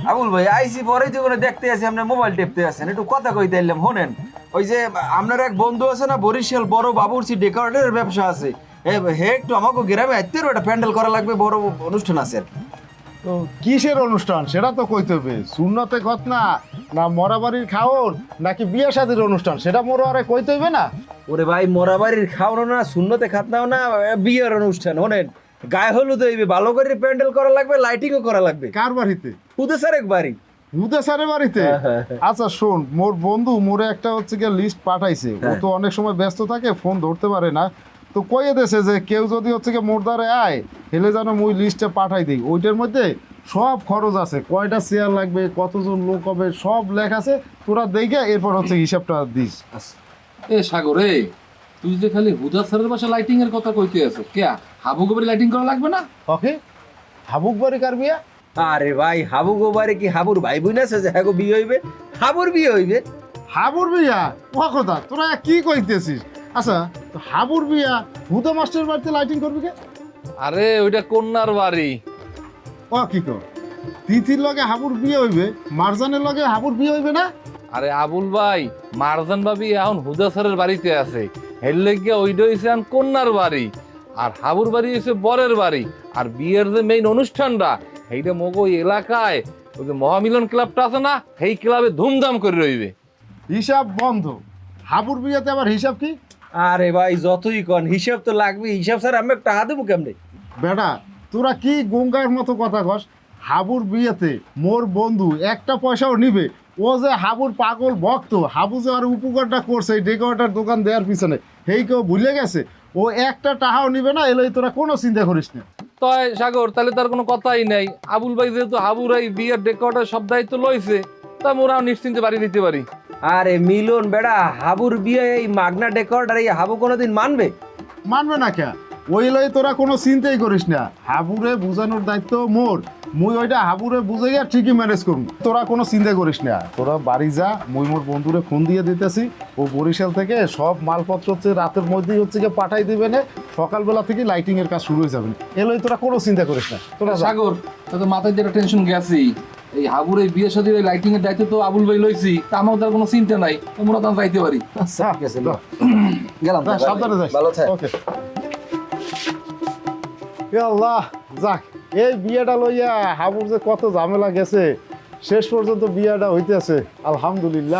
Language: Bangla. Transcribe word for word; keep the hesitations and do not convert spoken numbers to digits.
আবুল ভাই আইসি পরেই তো করে দেখতে আছি আপনার মোবাইল টেপতে আছেন, একটু কথা কইতে এলাম শোনেন। ওই যে আপনার এক বন্ধু আছে না বরিশাল, বড় বাবুরচি ডেকোরেটরের ব্যবসা আছে, হে একটু আমাকে গ্রামে আইতে একটা প্যান্ডেল করা লাগবে, বড় অনুষ্ঠান আছে। তো কিসের অনুষ্ঠান সেটা তো কইতে হবে। সুন্নতে খত না না মরাবাড়ির খাওন নাকি বিয়ে শাদীর অনুষ্ঠান সেটা মোর আরে কইতে হইবে না। ওরে ভাই মরাবাড়ির খাওয়ানো না, শূন্যতে খাতনাও না, বিয়ের অনুষ্ঠান। শোনেন গায়ে হলুদ হইবে, ভালো করে প্যান্ডেল করা লাগবে, লাইটিংও করা লাগবে। কার বাড়িতে? খুদে স্যার এক বাড়ি হুদে স্যারের বাড়িতে? আচ্ছা শোন, মোর বন্ধু মোরে একটা হচ্ছে গিয়ে লিস্ট পাঠাইছে। ও তো অনেক সময় ব্যস্ত থাকে, ফোন ধরতে পারে না। তো কইয়ে দেছে যে কেউ যদি হচ্ছে গিয়ে মোর দ্বারে আয় হেলে যেন মুই লিস্টে পাঠাই দিই। ওইটার মধ্যে সব খরচ আছে, কয়টা চেয়ার লাগবে, কতজন লোক হবে, সব লেখা আছে। তোরা দেখে এরপর হচ্ছে হিসাবটা দিস। এ সাগর এ, তুই যে খালি হুদা স্যারের বাসা লাইটিং এর কথা কইতে আছো, কে হাবু গোবরে লাইটিং করা লাগবে না? ওকে, হাবুক বাড়ি কার বিয়া? আরে ভাই হাবু গোবারে কি হাবুর ভাই বোন আছে যে হ্যাঁ বিয়ে হইবে? হাবুর বিয়ে হইবে। হাবুর বিয়া? ও কথা, তোরা কি কইতেছিস? আচ্ছা, তো হাবুর বিয়া হুদা মাস্টার বাড়িতে লাইটিং করবি কে? আরে ওইটা কন্যার বাড়ি। ও কি কর, তিথির লগে হাবুর বিয়ে হইবে, মারজানের লগে হাবুর বিয়ে হইবে না? আরে আবুল ভাই, মারজান ভাবি এখন হুদা স্যারের বাড়িতে আছে, হেললে গিয়ে ওইটা হইছে এখন কন্যার বাড়ি, আর হাবুর বাড়ি হইছে বরের বাড়ি। আর বিয়ের যে মেইন অনুষ্ঠানটা সেইটা মগ ওই এলাকায় ওই যে মহামিলন ক্লাবটা আছে না, সেই ক্লাবে ধুমধাম করে রইবে। হিসাব বন্ধ। হাবুর বিয়াতে আবার হিসাব কি? আরে ভাই যতই কন হিসাব তো লাগবে, হিসাব স্যার আমি একটা হাতে মুখ কেমনে? বেটা তোরা কি গঙ্গার মতো কথা কস? হাবুর বিয়েতে মোর বন্ধু একটা পয়সাও নিবে। ও যে হাবুর পাগল ভক্ত, হাবু যে আর উপকারটা করছে এই ডেকোরেটার দোকান দেওয়ার পিছনে, সেই কেউ ভুলে গেছে। ও একটা টাকাও নিবে না, এলেই তোরা কোনো চিন্তা করিস না। তয় সাগর, তাহলে তার কোনো কথাই নাই। আবুল ভাই যেহেতু হাবুর এই বিয়ের ডেকোরেটর সব দায়িত্ব লইছে, তা মোরাও নিশ্চিন্তে বাড়ি দিতে পারি। আরে মিলন বেড়া, হাবুর বিয়ে এই মাগনা ডেকর্ড আর এই হাবু কোনোদিন মানবে? মানবে না কে? ওই লই তোরা কোনো চিন্তাই করিস না। হাবুরে বুঝানোর দায়িত্ব মোর। মুই ওইটা হাবুরে বুঝাইয়া ঠিকই ম্যানেজ করুন, তোরা কোনো চিন্তা করিস না। তোরা বাড়ি যা, মুই মোর বন্ধুরে ফোন দিয়ে দিতেছি। ও বরিশাল থেকে সব মালপত্র হচ্ছে রাতের মধ্যেই হচ্ছে গিয়ে পাঠাই দিবে না, সকালবেলা থেকে লাইটিং এর কাজ শুরু হয়ে যাবে। এলই তোরা কোনো চিন্তা করিস না। তোরা যা। সাগর, তাতে মাথায় যেটা টেনশন গেছি, এই হাবুর এই বিয়ে শাদীর এই লাইটিং এর দায়িত্ব তো আবুল ভাই লইছি, তা আমার তার কোনো চিন্তা নাই, তোমরা তো যাইতে পারি। আচ্ছা ঠিক আছে, যা। গেলাম। যা, সাবধানে যাস। ভালো থাক। ওকে। এ আল্লাহ, যাক এই বিয়েটা লইয়া হাবুর যে কত ঝামেলা গেছে, শেষ পর্যন্ত বিয়েটা হইতেছে, আলহামদুলিল্লাহ।